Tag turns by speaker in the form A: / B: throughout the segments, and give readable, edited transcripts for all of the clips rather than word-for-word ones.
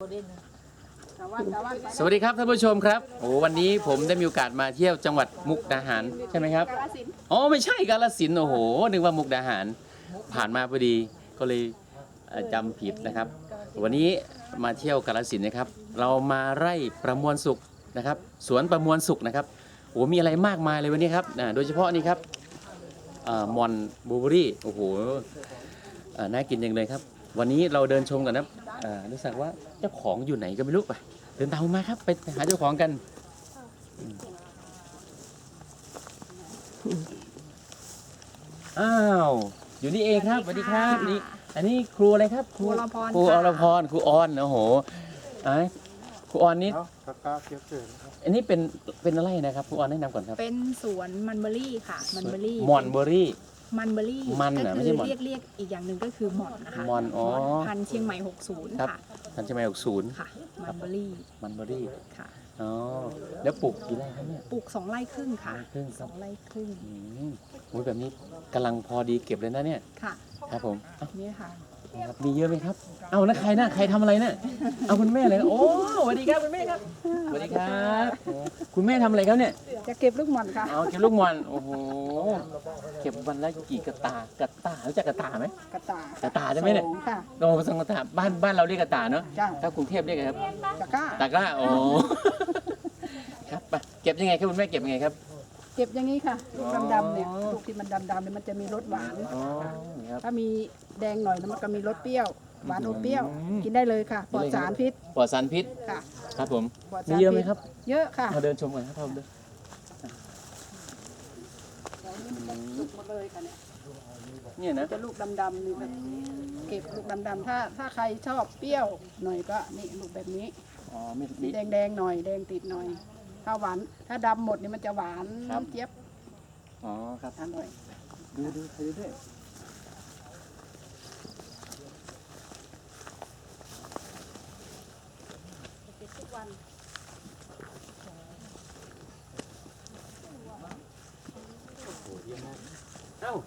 A: สวัสดีครับท่านผู้ชมครับโอ้วันนี้ผมได้มีโอกาสมาเที่ยวจังหวัดมุกดาหารใช่ไหมครับอ๋อไม่ใช่กาฬสินธุ์โอ้โหนึกว่ามุกดาหารผ่านมาพอดีก็เลยจำผิดนะครับวันนี้มาเที่ยวกาฬสินธุ์นะครับเรามาไร่ประมวลสุขนะครับสวนประมวลสุขนะครับโอ้มีอะไรมากมายเลยวันนี้ครับโดยเฉพาะนี่ครับมอนบลูเบอรี่โอ้โหน่ากินจังเลยครับวันนี้เราเดินชมกันนะรู้สึกว่าเจ้าของอยู่ไหนก็ไม่รู้ไปเดินตามมาครับไปหาเจ้าของกันอ้าวอยู่นี่เองครับสวัสดีครับนี่อันนี้ครูอะไรครับครูอรพรครูออนโอ้โหครูออนนี่อันนี้เป็นอะไรนะครับครูออนแนะนำก่อนครับ
B: เป็นสวนมันเบอรี่ค่ะมันเบอรี่
A: มอนเบอรี่
B: มันเบอรี่
A: มันนะไม่ใช่หมอน
B: เรียกอีกอย่างหนึ่งก็คือหมอนนะคะ
A: มอนอ๋อ
B: พันเชียงใหม่60ค่ะ
A: พันเชียงใหม่60
B: ค่ะมันเบอรี่ค่ะ
A: อ๋อแล้วปลูกกี่ไร่ครับเนี่ย
B: ปลูก2 ไร่ครึ่งค่ะ2 ไร่ครึ่ง
A: โอ้ยแบบนี้กำลังพอดีเก็บเลยนะเนี่ย
B: ค่ะ
A: ครับผม
B: นี่ค่ะ
A: มีเยอะไหมครับเอาแล้วใครนะใครทำอะไรนะเอาคุณแม่เลยโอ้สวัสดีครับคุณแม่ครับสวัสดีครับคุณแม่ทำอะไรครับเนี่ย
B: จะเก็บลูกหม่อนค่ะ
A: เก็บลูกหม่อนโอ้โหเก็บวันละกี่กระตรู้จักกระตาไหมกระตาใช่ไหมเนี่ยโอ้สังกระตาบ้านเราเรียกกระตาเนาะถ้ากรุงเทพเรียกไงครับตะกร้าโอ้ครับไปเก็บยังไงครับคุณแม่เก็บยังไงครับ
B: เก็บอย่างนี้ค่ะลูกดำๆเนี่ยลูกที่มันดำๆเนี่ยมันจะมีรสหวานถ้ามีแดงหน่อยแล้วมันก็มีรสเปรี้ยวหวานอมเปรี้ยวกินได้เลยค่ะปลอดสารพิษค่ะ
A: ครับผมมีเยอะไหมครับ
B: เยอะค่ะ
A: มาเดินชมกันครับท่านผู้ชม
B: ลูกหมดเลยค่ะ
A: เนี่ยนะ
B: จะลูกดำๆนี่แบบเก็บลูกดำๆถ้าใครชอบเปรี้ยวหน่อยก็นี่ลูกแบบนี้มีแดงหน่อยแดงติดหน่อยถ้าหวานถ้าดำหมดนี่มันจะหวานเจี๊ยบ
A: อ๋อครับ
B: อร่อย
A: ดูด้วย
B: ทุกวัน
A: เอ้า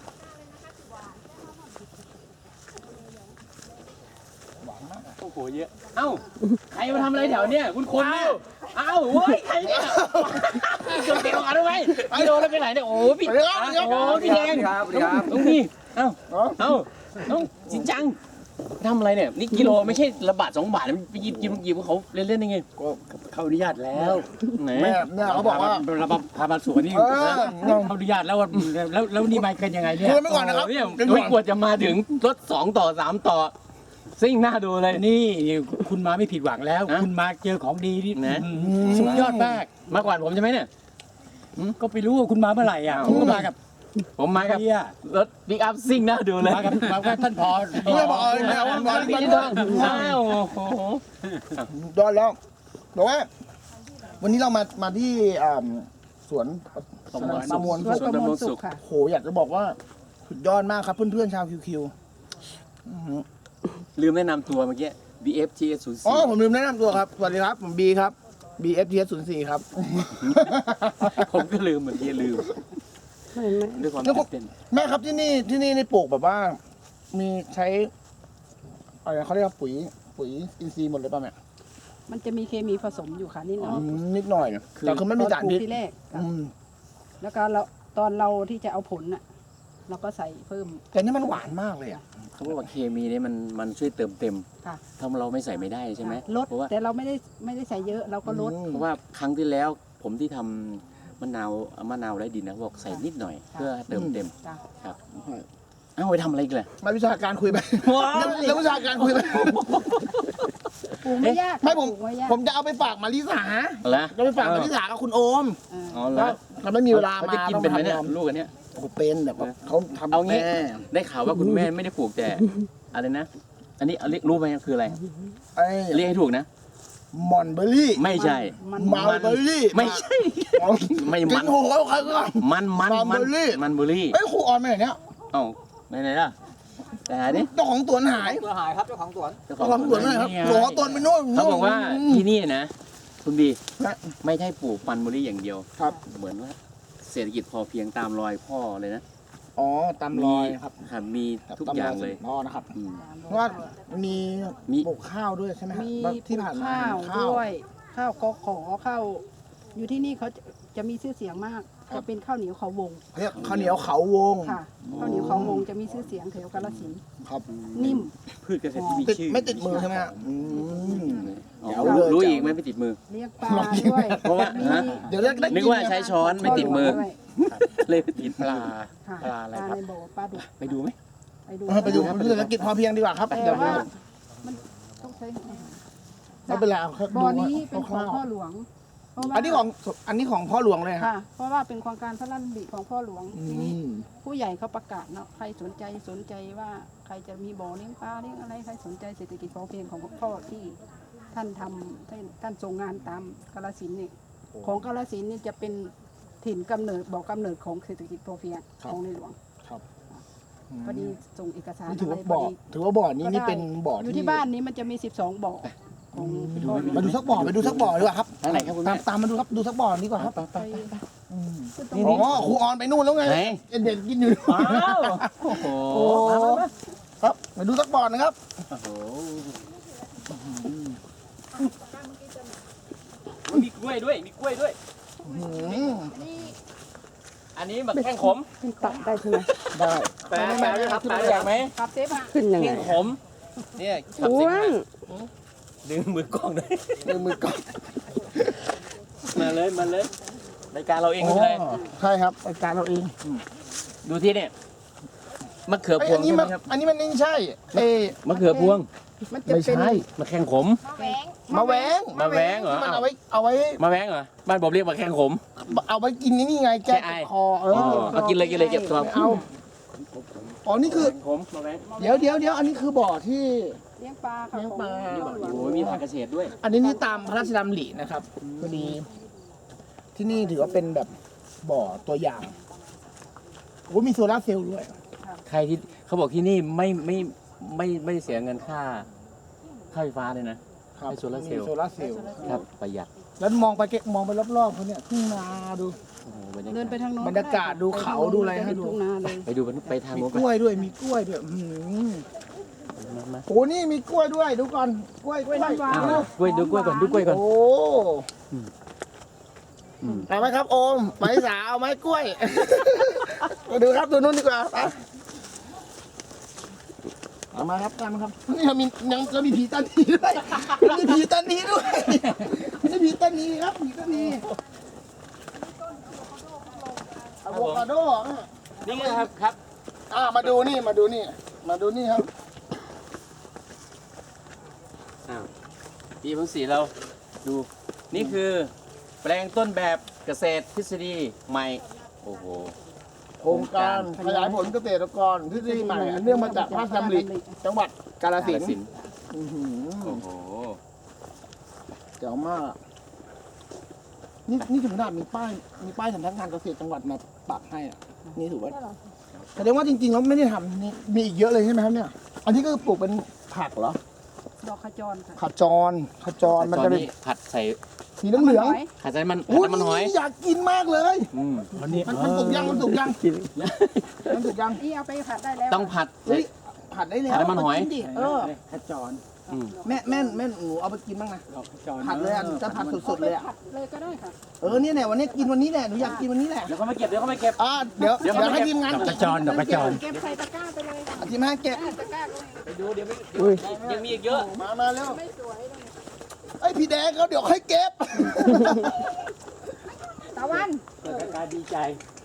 A: หวานมากโอ้โหเยอะเอ้าใครมาทำอะไรแถวเนี้ยคุณคนเนี่ยเอ้าเว้ยใครเนี่ยเกิดเกี่ยวกันด้วยพี่โดนแล้วไปไหนเนี่ยโอ้พี่โอ้พี่แดงตรงนี้เอ้าต้องจริงจังทำอะไรเนี่ยนี่กิโลไม่ใช่ละบาท2 บาทไปหยิบเขาเล่นๆยังไง
C: ก็เขาอนุญาตแล้ว
A: ไหน
C: แม่เขาบอกว่า
A: เราพามาสวนนี่เขาอนุญาตแล้วนี่มากันยังไงเนี่ย
C: คุยไม่ก่อนนะครับ
A: เนี่ยไม่กวดจะมาถึงรถ2 ต่อ 3 ต่อซิ่งหน้าดูเลย
D: นี่คุณมาไม่ผิดหวังแล้วคุณมาเจอของดีนี่
A: นะสุดยอดมากกว่าผมใช่ไหมเนี่ย
D: ก็ไปรู้ว่าคุณมาเมื่อไหร่อ่ะผมก็มากับ
A: รถบิ๊กอัพซิ่งหน้าดูเลย
D: มากับท่านพอ
C: ไม่บอกเลยแม่วันวัน
A: พี่ทองอ้าวโอ้โห
C: ยอดแล้วบอกว่าวันนี้เรามาที่สวนประมวล
B: สุขค่ะ
C: โหอยากจะบอกว่าสุดยอดมากครับเพื่อนๆชาวคิว
A: ลืมแนะนำตัวเมื่อกี้ BFTS04
C: อ๋อผมลืมแนะนำตัวครับสวัสดีครับผมบีครับ BFTS04 ครับ
A: ผมก็ลืมเหมือนที่ลืมด้วยความตื่นเต้น
C: แม่ครับที่นี่ในปลูกแบบว่ามีใช้อะไรเขาเรียกว่าปุ๋ยอินทรีย์หมดเลยป่ะแม่
B: มันจะมีเคมีผสมอยู่ค่ะนิดหน่อย
C: แต่คือไม่มีสารพิษ
B: ที่แรกแล้วก็ตอนเราที่จะเอาผลน่ะเราก็ใส่เพิ่ม
C: แต่นี่มันหวานมากเลยอ่ะ
A: เขาบอกว่าเคมีนี่มันช่วยเติมเต็มถ้าเราไม่ใส่ไม่ได้ใช่ไหม
B: ลดแต่เราไม่ได้ใส่เยอะเราก็ลด
A: เพราะว่าครั้งที่แล้วผมที่ทำมะนาวไร้ดินนะบอกใส่นิดหน่อยเพื่อเติมเต็มครับไปทำอะไรกันเลย
C: มาวิชาการคุยไปแล้ววิชาการคุยไป
B: ปลูกไม่ยาก
C: ไม่ผมจะเอาไปฝากมาริสาจะไปฝากมาริสากับคุณโอม
A: แล้ว
C: เขาไม่มีเวลามา
A: จะกินเป็นไหมเนี่ยลูกอันเนี้ย
C: เป็นแบบเขาทำ
A: เอางี้ได้ข่าวว่าคุณแม่ไม่ได้ปลูกแต่อะไรนะอันนี้เรียกรู้ไหมคืออะไรเรียกให้ถูกนะ
C: มอนเบอร์รี่
A: ไม่ใช่
C: มาเบอร์รี่
A: ไม่ใช่ไม่มัน
C: โหใครก็
A: มันเบอร์รี่
C: เอ้ยครูออนไปไหนเนี่ย
A: เอ้าไหนล่ะแต่หายดิ
C: เจ้าของสวนหาย
D: ครับเจ้าของสวน
C: ไม่ครับหลวงตนไปนู่น
A: เขาบอกว่าที่นี่นะคุณบีไม่ใช่ปลูกมันเบอร์รี่อย่างเดียวเหมือนว่าเศรษฐกิจพอเพียงตามรอยพ่อเลยนะ
C: อ๋อตามรอยครับ
A: ครับมีทุกอย่างเลย
C: อ๋อนะครับ
A: อืม
C: เพราะว่ามี
A: มี
C: ปลูกข้าวด้วยใช่ไหมครับ
B: มี
C: ที่ผ่านมา
B: ข้าวด้วย ข้าวกอขอข้าวอยู่ที่นี่เขาจะมีชื่อเสียงมากจะเป็นข้าวเหนียวเขาวง
C: เขาเรียกข้าวเหนียวเขาวง
B: ค่ะข้าวเหนียวเขาวงจะมีชื่อเสียงแถวกาฬสินธุ์
C: ครับ
B: นิ่ม
D: พืชเกษตรที่มี
C: ติด
D: ชื่อ
C: ไม่ติดมือใช่ไหมฮะ
A: อ๋อ
C: เดี๋ยวเลย
A: รู้อีกไหมไม่ติดมือ
B: เลี้ยงปลาด้วย
A: เพราะว่า
B: มี
A: ฮะ
C: เดี๋ยวเรียกได้
A: นึกว่าใช้ช้อนไม่ติดมือ
B: ด้วย
A: เลยไม่ติด
D: ปลา
B: ค่ะ
D: ปลาอะไร
B: ปลา
D: ครับ
B: ในบ่อปลาดุก
A: ไปดูไหม
B: ไปดู
C: ไปดูเศรษฐกิจพอเพียงดีกว่าครับ
B: แต่
C: เดี๋ยว
B: ว่ามันต้องใช้
C: ไม่เป็นไรเอาแค่
B: บ่อ
C: ดู
B: นี้เป็นของ
C: คร่าว
B: พ่อหลวงเพราะ
C: ๆ
B: ว่า
C: อันนี้ของพ่อหลวงเลยครับ
B: ค่ะ เพราะว่าเป็นโครงการพระราชดำริของพ่อหลวง
C: อื
B: ทีนี้
C: ม
B: ผู้ใหญ่เขาประกาศเนาะใครสนใจว่าใครจะมีบ่อเลี้ยงปลาเลี้ยงอะไรใครสนใจเศรษฐกิจพอเพียงของพ่อที่ท่านทำท่านทรงงานตามกาฬสินธุ์นี่ของกาฬสินธุ์นี่จะเป็นถิ่นกำเนิดบ่อกำเนิดของเศรษฐกิจพอเพียงของในหลวง
C: ครับอืม
B: พอดีส่งเอกสาร
C: นี่ถือ
B: อะไร
C: ว่า
B: พ
C: บ่
B: อ
C: อ
B: ดี
C: ถือว่าบ่อนี้นี่เป็นบ่อ
B: อยู่
C: ที่
B: ที่บ้านนี้มันจะมี 12 บ่อของพ่อหลวง
C: มาดูสักบ่อไปดูสักบ่อดีกว่าครับ
A: ทางไหนครับคุณ
C: ตา
A: แม่
C: มตามมาดูครับดูสักบ่อดีกว่าครับ
B: ไป
C: อืม
B: ขึ้นตรง
C: อ๋
B: นี้
C: อครูออนไปนู่นแล้วไง
A: ไหน
C: เด็กกินอยู่
A: อ้าวโอ้โห
C: โอ้ครับมาดูสักบ่อนะครับ
A: โอ้โหมีกล้วยด้วยมีกล้วยด้วย
C: อืม
A: อันนี้แบบแข้งขม
B: ขึ้นตัดได้ใช่ไหม
C: ได้
A: แปลครับแปลอยากไหม
B: ครับเซฟฮะ
E: ขึ้นยังไง
A: แข้งขมเนี่ยขับ
E: อ้
A: สิ
E: ว
A: มาน ดึงมือกล้องด้วย
C: มือก่อน
A: มาเลยมาเลยรายการเราเองไม่เป็นไร
C: ใช่ครับรายการเราเอง
A: ดูที่เนี่ยมะเขือพว
C: อั
A: ง
C: นนี้
A: ใช่ไหม
C: มัน
A: ครับ
C: อันนี้มันไม่ใช่เอ้
A: มะเขือพวง
B: มันจะ
C: ไม่
B: เป็น
C: ใช่
A: มะแข้งขม
C: มาแหวง
A: มาแหวงเหรอ
C: ที่มัน
A: อ้าว
C: เอาไว้
A: มาแหวงเหรอบ้านผมเรียกมะแข้งขม
C: เอาไว้กินนี่ไงแก้
A: แก้ไอ
C: คอ
A: เอากินเลยกินเลยเก็บตัว
C: เอาอ๋อนี่คือ
A: ขมมาแหวง
C: เดี๋ยวอันนี้คือบ่อที่
B: เลี้ยงปลาค่ะ
C: เลี้ยงปลา
B: ของพ่อหลวง
A: โอ้ยมีผักเกษตรด้วย
C: อันนี้ตามพระราชดำรินะครับพอดีที่นี่ถือว่าเป็นแบบบ่อตัวอย่างโอ้มีโซลาร์เซลล์ด้วย
A: ใครที่เขาบอกที่นี่ไม่เสียเงินค่าไฟฟ้าเลยนะ ให้โซลาร์เซลล์
C: มีโซลาร์เซลล์
A: ครับประหยัด
C: แล้วมองไปรอบๆเขาเนี่ยทุ่งนาดู
A: โอ้โหบรรยากาศ
B: เดินไปทางโน้น
C: บรรยากาศดูเขาดูอะไรให้ดู
B: ทุ่งนาเลย
A: ไปดูไปทาง
C: มี
A: โน้น
C: กล้วยด้วยมีกล้วยด้วย
A: มา
C: โอ้นี่มีกล้วยด้วยดูก่อนกล้วย
B: กล้วยน้ำว้า
A: อ้าวกล้วยดูกล้วยก่อนดูกล้วยก่อน
C: โอ้
A: อืม
C: เอาไหมครับโอมไปสาวเอาไหมกล้วย มาดูครับดูนู่นดีกว่าไปเอามาครับตามมาครับนี่เรามีผีตานีด้วยมีผีตานีด้วยนี่ผีตานีครับผีตานีอะโวคาโด
A: นี่ไงครับครับ
C: มาดูนี่ครับ
A: ปีพังสีเราดูนี่คือแปลงต้นแบบเกษตรทฤษฎีใหม่โอ้โห
C: โครงการขยายผลเกษตรกรทฤษฎีใหม่อันเนื่องมาจากพระราชดำริจังหวัดกาฬสินธุ์
A: สินธุ์โอ้โห
C: เจ๋วมากนี่ถึงขนาดมีป้ายสำนักงานเกษตรจังหวัดมาปักให้อ่ะนี่ถือว่าแสดงว่าจริงๆแล้วไม่ได้ทำนี่มีอีกเยอะเลยใช่ไหมครับเนี่ย อันนี้ก็ปลูกเป็นผักเหรอ
B: ดอกขจรค่ะ
C: ขจรมัน
A: ตอน
C: จะเป็น
A: นี้ผัดใส่
C: สีเหลือง
A: ผัดใส่มัน
C: ๆ
A: ผัดน้ำมันหอย
C: อยากกินมากเลย
A: อืม
D: วันนี้
C: มันสุกยังมันสุกยัง
B: นี่เอาไปผัดได้แล้ว
A: ต้องผัด
C: เฮ้ยผัดได้แล้ว
A: ผัดน้ำมันหอย
C: เาากิดิ
D: ขจร
A: อืม
C: แม่หนูเอาไปกินบ้างนะ
D: ดอกขจร
C: ผัดเลยอ่ะจะผัดสดๆเลยอ่ะ
B: ผัดเลยก็ได้ค่ะ
C: เนี่ยแหละวันนี้กินวันนี้แหละหนูอยากกินวันนี้แหละ
A: เดี๋ยวเขามาเก็บเดี๋ยวเขามาเก็บ
C: เดี๋ยว
A: เดี๋ยว
C: ให้ทีมงาน
D: ดอกขจรดอกขจร
B: เก็บใส่ตะกร้าไปเลยค่ะ
C: ทีมงานเก็บ
B: ตะกร้าก็
A: ไปดูเดี๋ยวยังมีอีกเยอะ
C: มาเร็ว
B: ไม่สวยเลย
C: ไอ้พี่แดงเขาเดี๋ยวค่อยเก็บ
B: ตะวัน
A: เกิดการดีใจ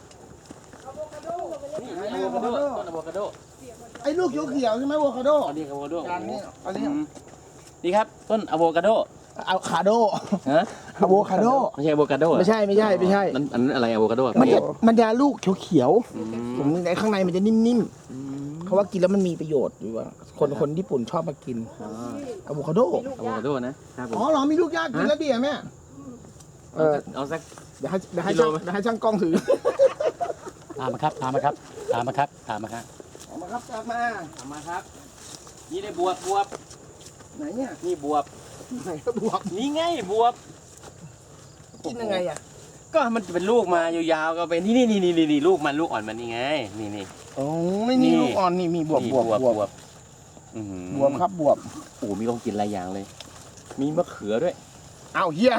A: นี่อะโวคาโดต้นอะโวคาโด
C: ไอ้ลูกเขียวๆใช่ไหมอะโวคาโด
A: อันนี้อะโวคาโด
C: จานนี้อันนี้
A: นี่ครับต้นอะโวคาโด
C: อะคาโด
A: ฮะ
C: อะโวคาโด
A: ไม่ใช่อะโวคาโดเหรอ
C: ไม่ใช่
A: อันนั้นอะไรอะโวคาโดอะ
C: มันจะลูกเขียว
A: อืม
C: ๆผมในข้างในมันจะนิ่มๆเขาว่ากินแล้วมันมีประโยชน์อยู่ว่าคนญี่ปุ่นชอบมากิน
A: อ๋อ
C: อะโวคาโด
A: อะโวคาโดนะครับผม
C: อ๋อเหรอมีลูกยากกินแล้วดีอ่ะแม่
A: เอาสัก
C: เดี๋ยวให้
A: กิโล
C: ช่าง
A: ไหม
C: เดี๋ยวให้ช่างกล้องถือ
D: ตามมาครับตามมาครับตามมาครับตามมาครับ
C: เอามาครับจับมา
A: เอามาครับ นี่ได้บวบ
C: ไหนเนี่ย
A: นี่บวบ
C: ไหนก็บวก
A: นี่ไงบวบ
C: กินยังไงอ่ะ
A: ก็มันจะเป็นลูกมายาวๆก็เป็นนี่ลูกมันลูกอ่อนมันนี่ไงนี่
C: โอ้ไม่นี่
A: นี่
C: ลูกอ่อนนี่มีบวบ
A: นี่
C: บวบบวบ
A: อื้อหือบ
C: วบครับบวบ
A: โอ้มีของกินหลายอย่างเลย มีมะเขือด้วย
C: อ้าวเฮีย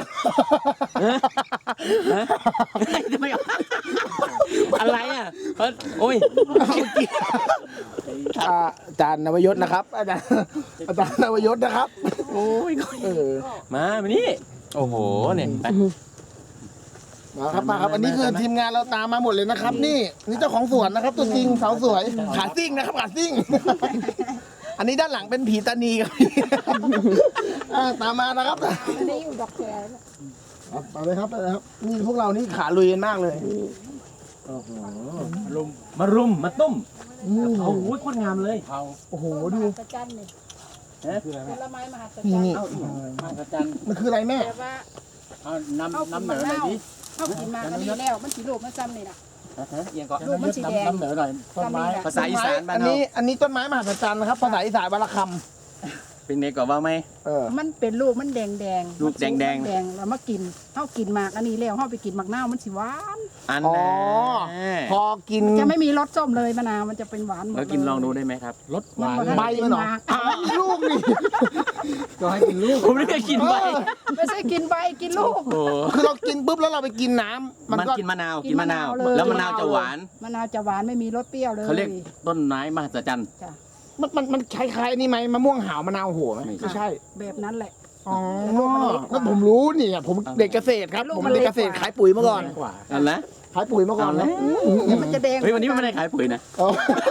A: ทำไมอะไรอ่ะโอ้ย
C: อาจารย์นวยศนะครับ อาจารย์นวยศนะครับ
A: โอ้ย มานี่โอ้โหเนี่ยไป
C: มาครับมาครับอันนี้คือทีมงานเราตามมาหมดเลยนะครับ นี่เจ้าของสวนนะครับ ตัวจริงสาวสวยขาซิ่งนะครับขาซิ่ง อันนี้ด้านหลังเป็นผีตานีครับ ตามมานะครับ
B: อันนี้อยู่ดอกแคร์
C: ไปเลยครับไปเลยครับนี่พวกเรานี่ขาลุยกันมากเลย
A: มารุมมาตุ้มโอ้โหโคตรงามเลย
C: โอ้โหดู
B: มหัศจรรย์นี่ผลไม้มหัศจรร
C: นี่
B: ย์
C: นี่
D: มาอาจารย์
C: มันคืออะไรแม่
B: แต่ว่า
D: เอาน้ำเหนือหน่อยดิ
B: เข้ากินมาก็ดีแล้วมันสีลูกมันซ้ำนี่นะ
A: เอียงก่อน
B: ลูกมันสีแดง
D: น้ำเหนือหน่อยต้นไม้
A: ภาษาอีสานบ้าน
C: อัน
A: เรา
C: นี้ต้นไม้มหัศจรรย์นะครับภาษาอีสานวรรณค
A: เป็นไงก่อนว่าไหม
C: ำ
B: มันเป็นลูกมันแดงแดง
A: ลูกแดงๆ
B: แดงแล้วมากินเข้ากินหมากอันนี้แล้วเข้าไปกินหมากนาวมันสีหวาน
A: อัน
C: อ๋อ
A: น่ะ
C: พอกิน
B: จะไม่มีรสส้มเลยมะนาวมันจะเป็นหวานหมด
A: แล้วกินลองดูได้ไหมครับ
D: รสหวาน
C: ใบมันเหรออ้าวลูกนี่
D: ก็ให้กินลูก
A: ผมไม่ได้กินไป
B: ไม่ใช่กินใบกินลูก
A: โอ้
C: คือเรากินปุ๊บแล้วเราไปกินน้ำ
A: มัน
C: ก็
A: กินมะนาว
B: กิ
A: กิ
B: น
A: น
B: มะนาน
A: มะาว ว
B: เลย
A: แล้วมะนาวจะหวาน
B: มะนาวจะหวานไม่มีรสเปรี้ยวเลย
A: เขาเรียกต้นไม้มหัศจรรย์
B: จ้ะ
C: มันคล้ายๆนี่ไหมมะม่วงหาวมะนาวโหไหม
A: ไม่
C: ไม่ใช่
B: แบบนั้นแหละ
C: อ๋อ
B: แต่ลูกมันเล็กกว่า
C: ก็ผมรู้นี่ผมเด็กเกษตรครับ
B: ลูก
C: ผม
B: มัน
C: เด็ก
B: เล็
C: เก
B: ก
C: ษตร
B: กว่า
C: ขายปุ๋ยมาก่อน
D: กว่า
A: นั่นแหละ
C: ขายปุ๋ยมาก่อนนะ
B: เดี๋ยวมันจะแดง
A: เฮ้ยวันนี้มันไม่ได้ขายปุ๋ยนะ
C: อ๋อ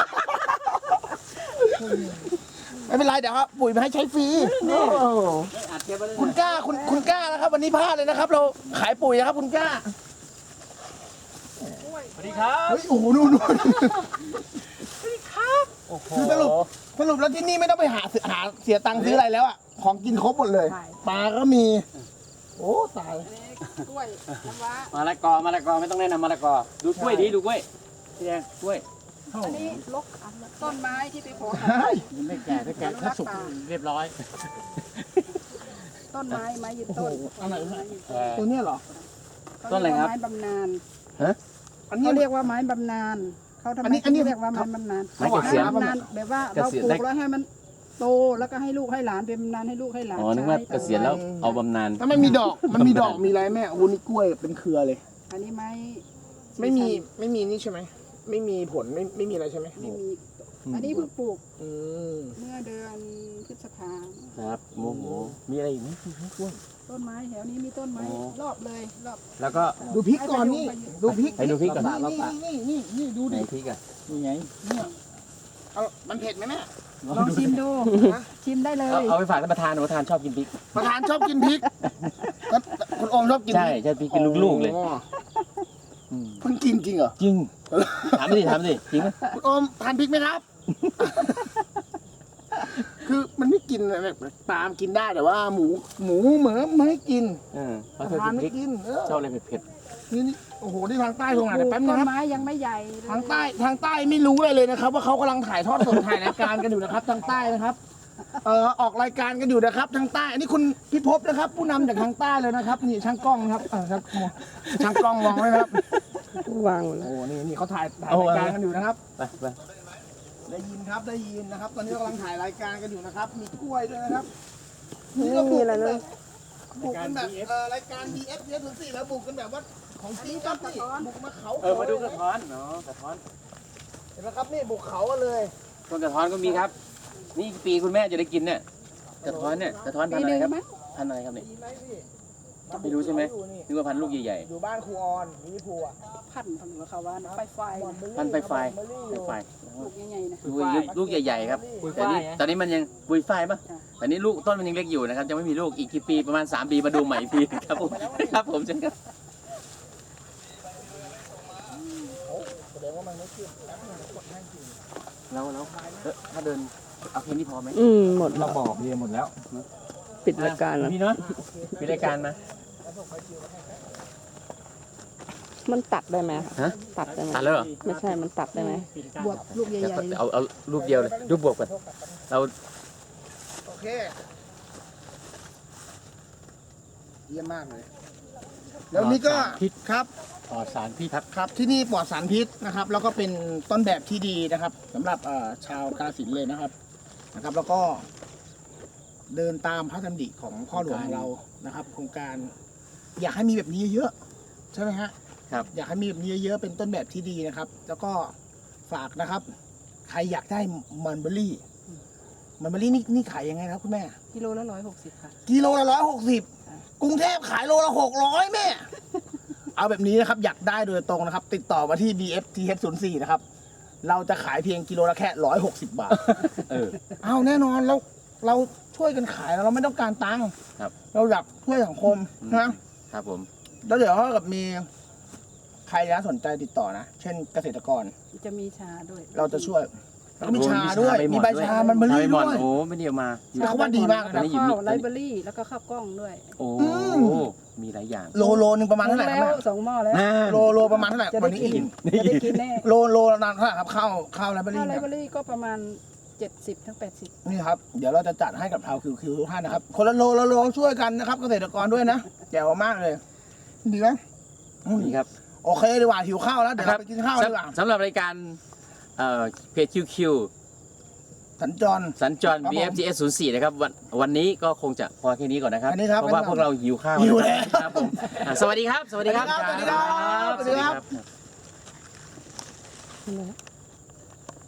C: ไม่เป็นไรเดี๋ยวครับปุ๋ยมาให้ใช้ฟรีโอ้คุณกล้าคุณกล้านะครับ วันนี้พลาดเลยนะครับ เราขายปุ๋ยนะครับ คุณกล้า
A: สวัสดีครับ
C: เฮ้ยโอ้โหนู่นคือสรุปแล้วที่นี่ไม่ต้องไปหาเสียตังค์ซื้ออะไรแล้วอ่ะของกินครบหมดเลยปลาก็มี โอ้ตาย
B: กล้วยน้ำว้าม
A: ะละกอไม่ต้องแนะนำมะละกอดูกล้วยดีดูกล้วยพี่แดงกล้วย
B: อันนี้ลกต้นไม้ที่ไปขอ
D: มันไม่แก่ถ้าแก่ถ้าสุกเรียบร้อย
B: ต้นไม้ไม้ยืนต้น
C: อะไร
B: ไม้
C: นะ
B: ยืน
C: ตัวเนี้ยเหรอ
A: ต้นอะไรครับ
B: ไม้บำนาญ
C: อันนี้
B: เขาเรียกว่าไม้บำนาญเขาทำไม
C: อันนี้
B: เขาเรียกว่าไม้บำนาญ
A: ไม้เกษียณ
B: บำนาญแบบว่าเราปลูกแล้วให้มันโตแล้วก็ให้ลูกให้หลานเป็นบำนาญให้ลูกให้หลาน
A: อ๋อนึกว่า
B: ใช้
A: เกษียณแล้วเอาบำนาญ
C: ถ้าไม่มีดอกมันมีดอกมีอะไรแม่โอ้นี่กล้วยเป็นเครือเลย
B: อันนี้ไม้
C: ไม่มีนี่ใช่ไหมไม่มีผลไม่มีอะไรใช่ไหม
B: ไม่มีอันนี้เพิ่งปลูก
C: อืม
B: เมื่อเดือนพฤษภา
A: ครับโอ้โหมีอะไรอีกไหมกล้วย
B: ต้นไม้แถวนี้มีต้นไม้
A: อ๋อ
B: รอบเลยรอบ
A: แล้วก็
C: ดูพริกก่อนนี่ดูพริก
A: ให้ดูพริกก่อน
C: นี่ดู
A: ไหน
C: ดิ
A: พริกอ่ะ
D: นี่ไง
C: เอามันเผ็ดไหมแม่
B: ลองชิมดูชิมได้เลย
A: เอาไปฝากท่านประธานประธานชอบกินพริก
C: ประธานชอบกินพริกก็คุณโอมชอบกิน
A: ใช่ใช่พริกกินลูกๆเลย
C: อ๋อเพิ่งกินจริงเหรอ
A: จริงถามดิจริงไหม
C: คุณโอมทานพริกไหมครับ คือมันไม่กินแบบปลามนกินได้แต่ว่าหมูเหมือไม่ให้กิน
A: เพราะ
C: ป
A: เธอ
C: ระธาน
A: กินพ
C: ไม่
A: ริก
C: กิน
A: ชอบอะไรเผ็ด
C: นี่โอ้โหที่ทางใต้ตรงไหน
B: ปลู
C: เดี๋ยว
B: ก
C: แป๊บนึ
B: ต้
C: ง
B: น
C: ครับ
B: ไม้ยังไม่ใหญ่เลย
C: ทางใต้ไม่รู้เลยนะครับ ว่าเขากำลังถ่ายทอดสดถ่ายรายการกันอยู่นะครับ ทางใต้นะครับ ออกรายการกันอยู่นะครับทางใต้อันนี้คุณพิภพนะครับ ผู้นำจากทางใต้เลยนะครับนี่ช่างกล้องนะครับช่างกล้องมองไว้นะครับ
B: วาง
C: โอ้นี่เขาถ่ายรายการกันอยู่นะครับ
A: ๆไป
C: ได้ยินครับได้ยินนะครับ ตอนนี้เรากำลังถ่ายรายการกันอยู่นะครับ มีกล้วยด้วยนะครับ
B: ไม่มีอะไรเลย
C: บุกกันแบบรายการ BF เยอะถึง4แล้วบุกกันแบบว่าของจริงครับนี่บุกมาเขา
A: มาดูกระท้อนเนาะกระท้อน
C: เห็นไหมครับนี่บุกเขากันเลย
A: ต้นกระท้อนก็มีครับ นี่ปีคุณแม่จะได้กินเนี่ยกระท้อนพัน
B: ปี
A: ธุ์อะ
B: ห
A: ไร
B: นึ่ง
A: ครับ
B: ไหม
A: พันธุ์อะไรครับเนี่ย
C: ดีไหมพี่
A: ไม่รู้ใช่ไหมนึกว่าพันธุ์ลูกใหญ่
C: อยู่บ้านครูออนมินิพูอ่ะ
B: พันธุ์ของเขาว่านะไฟ
A: ๆพันธุ์ไฟ
B: ลูกใหญ่ๆนะ
A: ลูกใหญ่ๆครับแต่นี่ตอนนี้มันยังปุยฝ้ายปะแต่นี่ลูกต้นมันยังเล็กอยู่นะครับยังไม่มีลูกอีกกี่ปีประมาณ3 ปีมาดูใหม่อีกทีครับผมครับผมเช่นกัน
C: แสดงว่ามันไม่ขึ้นแป๊บนึงกดให้จริง
A: แล้วถ้าเดินเอาแค่นี้พอไหม
E: หมด
D: เราบอกเรียนหมดแล้ว
E: ปิดรายการแล้ว
A: พี่เนาะปิดรายการมา
E: มันตัดได้ไหมคะ
A: ฮะ
E: ตัดได้ไหม
A: ตัดแล้วเหรอ
E: ไม่ใช่มันตัดได้ไหม
B: บวบลูกใหญ่ๆ
A: เอารูปเดียวเลยรูปบวกกันเรา
C: โอเคเยี่ยมมากเลยแล้วนี่ก็
D: ปลอดสารพิษ
C: ครับ
D: ปลอดสารพิษ
C: ครับที่นี่ปลอดสารพิษนะครับ แล้วก็เป็นต้นแบบที่ดีนะครับสำหรับชาวกาฬสินธุ์เลยนะครับ แล้วก็เดินตามพระดำริของพ่อหลวงของเรานะครับ โครงการ อยากให้มีแบบนี้เยอะๆใช่ไหมฮะ
A: ครับ
C: อยากให้มีแบบนี้เยอะๆเป็นต้นแบบที่ดีนะครับ แล้วก็ฝากนะครับ ใครอยากได้มันเบอรี่นี่ขายยังไงครับคุณแม่
B: กิโลละ160ค่ะ
C: กิโลละ160กรุงเทพขายโลละ600แม่ เอาแบบนี้นะครับ อยากได้โดยตรงนะครับ ติดต่อมาที่ BFTF04 นะครับ เราจะขายเพียงกิโลละแค่160 บาท
A: เออ
C: เอาแน่นอนเราช่วยกันขายเราไม่ต้องการตังค์
A: ครับ
C: เราอยากช่วยสังคมนะครับ
A: ผม
C: แล้วเดี๋ยวถ้าเกิดมีใครนะสนใจติดต่อนะ เช่นเกษตรกร
B: จะมีชาด้วย
C: เราจะช่วยแล้วก็มีชา
A: โอ้
C: ด้วย
A: ใบห
C: มีใบชามันเบอรี่
A: ใบห
C: ด้
A: ม่อน
C: วย
A: โอ้ไม่ได้เอามา
C: แต่เขาว่าดีมากนะ
A: อันนี้อยู่
B: ข้าว
A: นี่
B: ไลฟ์เบอรี่แล้วก็ข้าวกล้องด้วย
A: โอ้
C: อืม
A: มีหลายอย่าง
C: โลนึงประมาณเท่าไหร่ครับ
B: แล้
C: แม่
B: ว2 หม้อแล้ว
C: โลประมาณเท่าไหร่
B: จะ
C: วั
B: ได้
C: นนี้
B: กิน
C: อิ่ม
B: จะได้กินแน่
C: โลนานเท่าไหร่ครับข้าวไรเบอ
B: ข้าว
C: รี่
B: ไล
C: เนี่ย
B: ฟ์เบอรี่ก็ประมาณ70 ถึง 80
C: นี่ครับเดี๋ยวเราจะจัดให้กับชาวคิวทุกท่านนะครับ คนละโลช่วยกันนะครับ เกษตรกรด้วยนะแจ๋วมากเลยดีไหมอืม
A: นี่ครับ
C: โอเคดีกว่าหิวข้าวแล้วเดี๋ยวเราไปกินข้าวดีกว่า
A: สำหรับรายการเพจคิว
C: สัญจร
A: สัญจร
C: ครับผม
A: BFTS 04นะครับวันนี้ก็คงจะพอแค่นี้ก่อนนะครับ
C: อันนี้ครับ
A: เพราะว่าพวกเราหิวข้าว
C: หิวแล้ว
A: ครับผมสวัสดีครับ สวัสดีครับ
C: สวัสดีครับสวัสดีครับ
A: สวัสดีครับ
E: นั่นแหละ